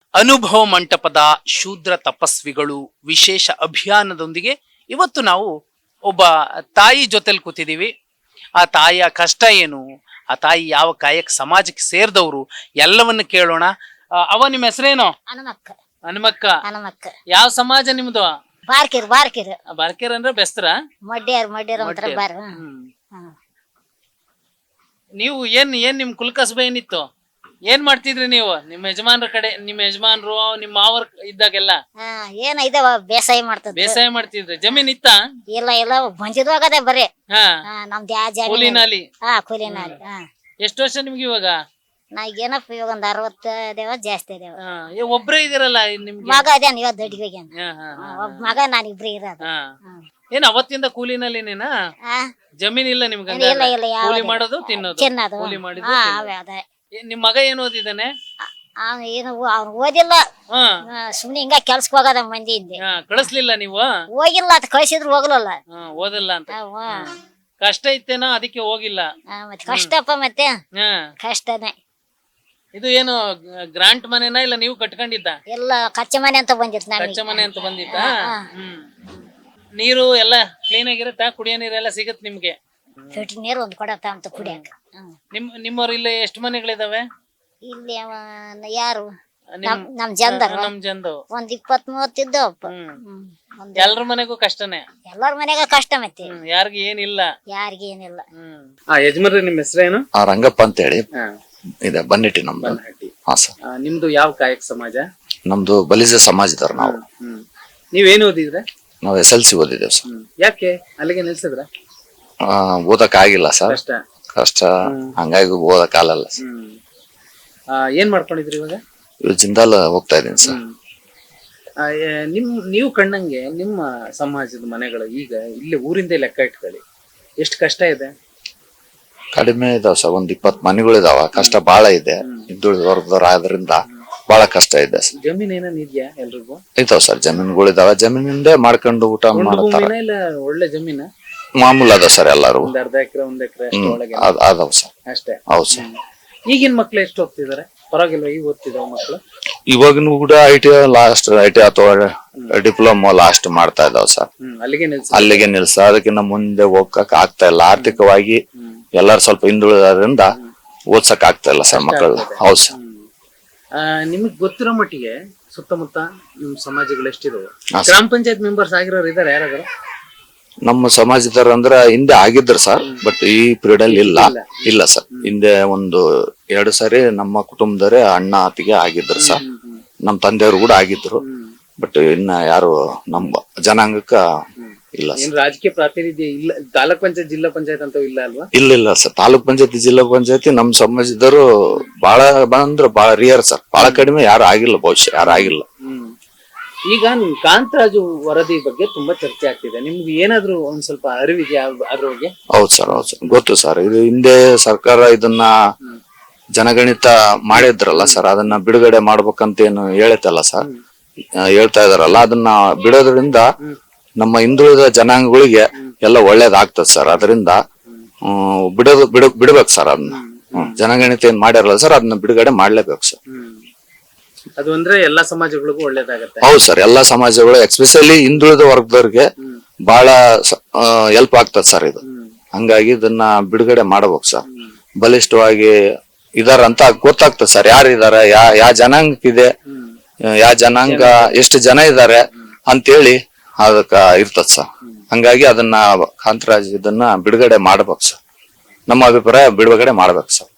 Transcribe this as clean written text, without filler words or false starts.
ಅನುಭವ ಮಂಟಪದ ಶೂದ್ರ ತಪಸ್ವಿಗಳು ವಿಶೇಷ ಅಭಿಯಾನದೊಂದಿಗೆ ಇವತ್ತು ನಾವು ಒಬ್ಬ ತಾಯಿ ಜೊತೆಲಿ ಕೂತಿದ್ದೀವಿ. ಆ ತಾಯಿಯ ಕಷ್ಟ ಏನು, ಆ ತಾಯಿ ಯಾವ ಕಾಯಕ ಸಮಾಜಕ್ಕೆ ಸೇರಿದವರು ಎಲ್ಲವನ್ನು ಕೇಳೋಣ. ನಿಮ್ಮ ಹೆಸರೇನು? ಹನುಮಕ್ಕ. ಯಾವ ಸಮಾಜ ನಿಮ್ದು? ಬಾರ್ಕೇರ್ ಅಂದ್ರೆ ಬೆಸ್ತರ? ನೀವು ಏನ್ ನಿಮ್ ಕುಲಕಸಬೆ ಏನಿತ್ತು? ಏನ್ ಮಾಡ್ತಿದ್ರಿ ನೀವು? ನಿಮ್ಮ ಯಜಮಾನ್ರ ಕಡೆ, ನಿಮ್ಮ ಯಜಮಾನ್ರು ನಿಮ್ಮ ಮಾವರ್ ಇದ್ದಾಗೆಲ್ಲ ಬೇಸಾಯ ಮಾಡ್ತಿದ್ರಿ? ಜಮೀನ್ ಇತ್ತ? ಇಲ್ಲ ಬಂಜಿದ್ವಾಗದೆ ಬರೀ ಕೂಲಿನಾಲಿ. ಕೂಲಿನಾಲಿ. ಎಷ್ಟು ವರ್ಷ ನಿಮ್ಗೆ ಇವಾಗ? ಏನಪ್ಪ ಇವಾಗ ಒಂದ್ 60 ದೇವ ಜಾಸ್ತಿ ದೇವ. ಒಬ್ರೇ ಇದೀರಲ್ಲ ನಿಮ್ಗೆ? ಮಗ ಅದೇನ್ ಇವತ್ ದೊಡ್ಡಿಗೆ ಒಬ್ಬ ಮಗ ನಾನಿಬ್ರಿ ಇರೋದು. ಏನ್ ಅವತ್ತಿಂದ ಕೂಲಿನಲ್ಲಿನೇನಾ? ಜಮೀನ್ ಇಲ್ಲ ನಿಮ್ಗೆ? ಕೂಲಿ ಮಾಡೋದು ತಿನ್ನೋದು. ಕೂಲಿ ಮಾಡಿದ್ದು ನಿಮ್ ಮಗ ಏನ್ ಓದಿದಾನೆ? ಏನು ಅವ್ನು ಓದಿಲ್ಲ, ಸುಮ್ನೆ ಹಿಂಗ ಕೆಲ್ಸಕ್ ಹೋಗದ ಮಂದಿ ಹಿಂದೆ. ಕಳಿಸ್ಲಿಲ್ಲ ನೀವು? ಹೋಗಿಲ್ಲ, ಅದ್ ಕಳ್ಸಿದ್ರು ಹೋಗ್ಲಲ್ಲ. ಓದಲ್ಲ ಅಂತ ಕಷ್ಟ ಇತ್ತೇನೋ ಅದಕ್ಕೆ ಹೋಗಿಲ್ಲ? ಮತ್ತೆ ಕಷ್ಟಪ್ಪ, ಮತ್ತೆ ಕಷ್ಟನೇ. ಇದು ಏನು ಗ್ರಾಂಟ್ ಮನೆನಾ ಇಲ್ಲ ನೀವು ಕಟ್ಕೊಂಡಿದ್ದ? ಎಲ್ಲ ಕಚ್ಚೆ ಮನೆ ಅಂತ ಬಂದಿತ್ತು. ಕಚ್ಚೆ ಮನೆ ಅಂತ ಬಂದಿತ್ತ? ನೀರು ಎಲ್ಲ ಕ್ಲೀನ್ ಆಗಿರುತ್ತಾ? ಕುಡಿಯೋ ನೀರೆಲ್ಲ ಸಿಗತ್ ನಿಮ್ಗೆ? ಫಿಲ್ಟರ್ ನೀರು ಒಂದ್ ಕೊಡತ್ತ ಅಂತ ಕುಡಿಯಕ. ನಿಮ್ಮವ್ರು ಇಲ್ಲಿ ಎಷ್ಟು ಮನೆಗಳಿದಾವೆ? ಇಲ್ಲಿ ಯಾರು ನಮ್ ಜಂದರ್ ಒಂದ್ 20-30 ಇದ್ದವಪ್ಪ. ಎಲ್ರ ಮನೆಗೂ ಕಷ್ಟನೇ? ಎಲ್ಲರ ಮನೆಗ ಕಷ್ಟ, ಮತ್ತೆ ಯಾರಿಗ ಏನಿಲ್ಲ? ಯಾರಿಗೇನಿಲ್ಲ. ಯಜಮಾನ್ರಿ ನಿಮ್ಮ ಹೆಸರೇನು? ರಂಗಪ್ಪ ಅಂತ ಹೇಳಿ ಇದೆ, ಬನ್ನಿಟ್ಟಿ ನಮ್ದು. ಹಾ ಸರ್. ನಿಮ್ದು ಯಾವ ಕಾಯಕ ಸಮಾಜ? ನಮ್ದು ಬಲಿಜ ಸಮಾಜದವ್ರು ನಾವು. ನೀವೇನು ಓದಿದ್ರೆ? ನಾವು SLC ಓದಿದ್ದೇವೆ ಸರ್. ಯಾಕೆ ಅಲ್ಲಿಗೆ ನಿಲ್ಸಿದ್ರ? ಓದಕ್ ಆಗಿಲ್ಲ ಸರ್, ಕಷ್ಟ, ಹಂಗಾಗಿ ಓದಕ್ ಆಗಲ್ಲ ಸರ್. ಏನ್ ಮಾಡ್ಕೊಂಡಿದ್ರಿ ಇವಾಗ? ಜಿಂದಾಲ್ ಹೋಗ್ತಾ ಇದೀನಿ ಸರ್. ನೀವು ಕಂಡಂಗೆ ನಿಮ್ಮ ಸಮಾಜದ ಮನೆಗಳು ಈಗ ಇಲ್ಲಿ ಊರಿಂದ ಲೆಕ್ಕ ಇಟ್ಕೊಳ್ಳಿ, ಎಷ್ಟು ಕಷ್ಟ ಇದೆ? ಕಡಿಮೆ ಇದಾವ ಸರ್, ಒಂದ್ 20 ಮನೆಗಳು ಇದಾವ. ಕಷ್ಟ ಬಾಳ ಇದೆ, ಹಿಂದುಳಿದ ವರ್ಗದವ್ರ ಆದ್ರಿಂದ ಬಹಳ ಕಷ್ಟ ಇದೆ ಸರ್. ಜಮೀನ್ ಏನೇನ್ ಇದೆಯಾ ಎಲ್ರಿಗೂ? ಇದಾವ ಸರ್, ಜಮೀನುಗಳು ಇದಾವ. ಜಮೀನಿಂದ ಮಾಡ್ಕೊಂಡು ಊಟ ಮಾಡ್ತಾರ. ಒಳ್ಳೆ ಜಮೀನ ಮಾಮೂಲ್ ಅದ ಸರ್ ಎಲ್ಲಾರು. 1/2 ಎಕರೆ 1 ಎಕರೆ ಅದಾವ ಸರ್. ಅಷ್ಟೇ? ಹೌದು ಸರ್. ಈಗಿನ ಮಕ್ಳು ಎಷ್ಟು ಹೋಗ್ತಿದಾರೆ? ಪರವಾಗಿಲ್ವ ಈಗ ಓದ್ತಿದಾವ ಮಕ್ಳು? ಇವಾಗಿನ ಕೂಡ ITI ಲಾಸ್ಟ್, ITI ಅಥವಾ ಡಿಪ್ಲೊಮಾ ಲಾಸ್ಟ್ ಮಾಡ್ತಾ ಇದಾವ ಸರ್. ಅಲ್ಲಿಗೆ ನಿಲ್ಸ. ಅದಕ್ಕಿಂತ ಮುಂದೆ ಹೋಗಕ್ ಆಗ್ತಾ ಇಲ್ಲ. ಆರ್ಥಿಕವಾಗಿ ಎಲ್ಲಾರು ಸ್ವಲ್ಪ ಹಿಂದುಳಿದ್ರಿಂದ ಓದ್ಸಕ್ ಆಗ್ತಾ ಇಲ್ಲ ಸರ್ ಮಕ್ಕಳು. ಹೌದು ಸರ್. ನಿಮಗ್ ಗೊತ್ತಿರೋ ಮಟ್ಟಿಗೆ ಸುತ್ತಮುತ್ತ ನಿಮ್ ಸಮಾಜಗಳು ಎಷ್ಟಿದಾವೆ? ಗ್ರಾಮ ಪಂಚಾಯತ್ ಮೆಂಬರ್ಸ್ ಆಗಿರೋರು ಇದಾರೆ ಯಾರಾದ್ರು? ನಮ್ಮ ಸಮಾಜದವ್ರು ಅಂದ್ರ ಹಿಂದೆ ಆಗಿದ್ರು ಸರ್, ಬಟ್ ಈ ಪೀರಿಯಡ್ ಅಲ್ಲಿ ಇಲ್ಲ ಸರ್. ಹಿಂದೆ 1-2 ಸಾರಿ ನಮ್ಮ ಕುಟುಂಬದವರೇ ಅಣ್ಣ ಅತ್ತಿಗೆ ಆಗಿದ್ರು ಸರ್. ನಮ್ ತಂದೆಯವರು ಕೂಡ ಆಗಿದ್ರು, ಬಟ್ ಇನ್ನ ಯಾರು ನಮ್ಮ ಜನಾಂಗಕ್ಕ ಇಲ್ಲ ಸರ್. ರಾಜಕೀಯ ಪ್ರಾತಿನಿಧ್ಯ ಇಲ್ಲ? ತಾಲೂಕ್ ಪಂಚಾಯತ್, ಜಿಲ್ಲಾ ಪಂಚಾಯತ್ ಅಂತ ಇಲ್ಲ ಅಲ್ವಾ? ಇಲ್ಲ ಸರ್. ತಾಲೂಕ್ ಪಂಚಾಯತಿ, ಜಿಲ್ಲಾ ಪಂಚಾಯತಿ ನಮ್ ಸಮಾಜದವರು ಬಹಳ ಬಾಳ ರಿಯರ್ ಸರ್. ಬಹಳ ಕಡಿಮೆ, ಯಾರು ಆಗಿಲ್ಲ, ಬಹುಶಃ ಯಾರು ಆಗಿಲ್ಲ. ಈಗ ಕಾಂತರಾಜು ವರದಿ ಬಗ್ಗೆ ತುಂಬಾ ಚರ್ಚೆ ಆಗ್ತಿದೆ. ನಿಮ್ಗೆ ಏನಾದ್ರು ಒಂದ್ ಸ್ವಲ್ಪ ಅರಿವಿದೆಯಾ ಅದ್ರ ಬಗ್ಗೆ? ಹೌದು ಸರ್, ಗೊತ್ತು ಸರ್. ಇದು ಹಿಂದೆ ಸರ್ಕಾರ ಇದನ್ನ ಜನಗಣಿತ ಮಾಡಿದ್ರಲ್ಲ ಸರ್, ಅದನ್ನ ಬಿಡುಗಡೆ ಮಾಡ್ಬೇಕಂತ ಏನು ಹೇಳತ್ತಲ್ಲ ಸರ್, ಹೇಳ್ತಾ ಇದಾರಲ್ಲ. ಅದನ್ನ ಬಿಡೋದ್ರಿಂದ ನಮ್ಮ ಹಿಂದುಳಿದ ಜನಾಂಗಗಳಿಗೆ ಎಲ್ಲ ಒಳ್ಳೇದಾಗ್ತದ ಸರ್. ಅದರಿಂದ ಬಿಡ್ಬೇಕು ಸರ್ ಅದನ್ನ. ಜನಗಣಿತ ಏನ್ ಮಾಡ್ಯಾರಲ್ಲ ಸರ್, ಅದನ್ನ ಬಿಡುಗಡೆ ಮಾಡ್ಲೇಬೇಕು ಸರ್. ಅದು ಅಂದ್ರೆ ಎಲ್ಲಾ ಸಮಾಜಗಳಿಗೂ ಒಳ್ಳೇದಾಗತ್ತೆ? ಹೌದು ಸರ್, ಎಲ್ಲಾ ಸಮಾಜಗಳು, ಎಸ್ಪೆಷಲಿ ಹಿಂದುಳಿದ ವರ್ಗದವ್ರಿಗೆ ಬಹಳ ಹೆಲ್ಪ್ ಆಗ್ತದ ಸರ್ ಇದು. ಹಂಗಾಗಿ ಇದನ್ನ ಬಿಡುಗಡೆ ಮಾಡ್ಬೇಕು ಸರ್. ಬಲಿಷ್ಠವಾಗಿ ಇದಾರ ಅಂತ ಗೊತ್ತಾಗ್ತದೆ ಸರ್, ಯಾರಿದಾರ, ಯಾವ ಜನಾಂಗಕ್ಕಿದೆ, ಯಾವ ಜನಾಂಗ ಎಷ್ಟು ಜನ ಇದಾರೆ ಅಂತೇಳಿ ಅದಕ್ಕ ಇರ್ತದ ಸರ್. ಹಂಗಾಗಿ ಅದನ್ನ ಕಾಂತರಾಜ್ ಇದನ್ನ ಬಿಡುಗಡೆ ಮಾಡ್ಬೇಕು ಸರ್. ನಮ್ಮ ಅಭಿಪ್ರಾಯ ಬಿಡುಗಡೆ ಮಾಡ್ಬೇಕು ಸರ್.